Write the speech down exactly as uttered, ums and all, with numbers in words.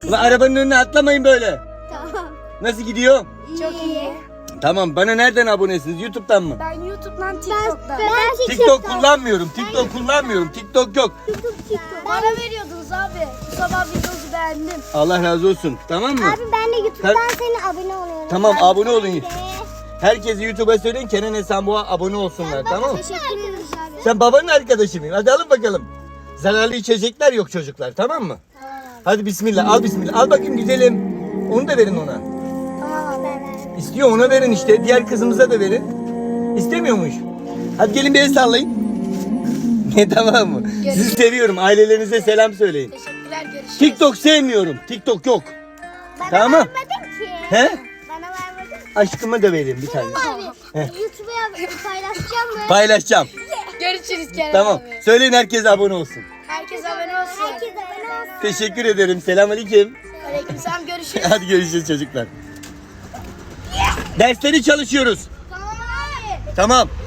Ulan arabanın önüne atlamayın böyle. Tamam. Nasıl gidiyor? Çok iyi. Tamam, bana nereden abonesiniz? YouTube'dan mı? Ben YouTube'dan, TikTok'tan. Ben TikTok kullanmıyorum. TikTok kullanmıyorum. TikTok yok. Bana veriyordunuz abi. Bu sabah videosu beğendim. Allah razı olsun. Tamam mı? Abi ben de YouTube'dan senin abone oluyorum. Tamam, Ben abone olun. de. Herkese YouTube'a söyleyin, Kenan Esenboğa abone olsunlar, tamam mı? Teşekkür ederiz abi. Sen babanın arkadaşı mıyım? Hadi alın bakalım. Zararlı içecekler yok çocuklar, tamam mı? Hadi bismillah, al bismillah. Al bakayım güzelim. Onu da verin ona. Tamam ben. İstiyor, ona verin işte. Diğer kızımıza da verin. İstemiyormuş. Hadi gelin bir el sallayın. Ne, tamam mı? Sizi seviyorum. Ailelerinize selam söyleyin. Teşekkürler, görüşürüz. TikTok sevmiyorum. TikTok yok. Bana Tamam. vermedin ki. He? Bana vermedin. Aşkıma da vereyim bir tane. Abi Heh. YouTube'a paylaşacağım mı? Paylaşacağım. Görüşürüz Kerem Tamam. abi. Söyleyin, herkes abone olsun. Herkes abone olsun. Herkes abone olsun. Teşekkür ederim. Selamünaleyküm. Aleykümselam, görüşürüz. Hadi görüşürüz çocuklar. Dersleri çalışıyoruz. Tamam abi. Tamam.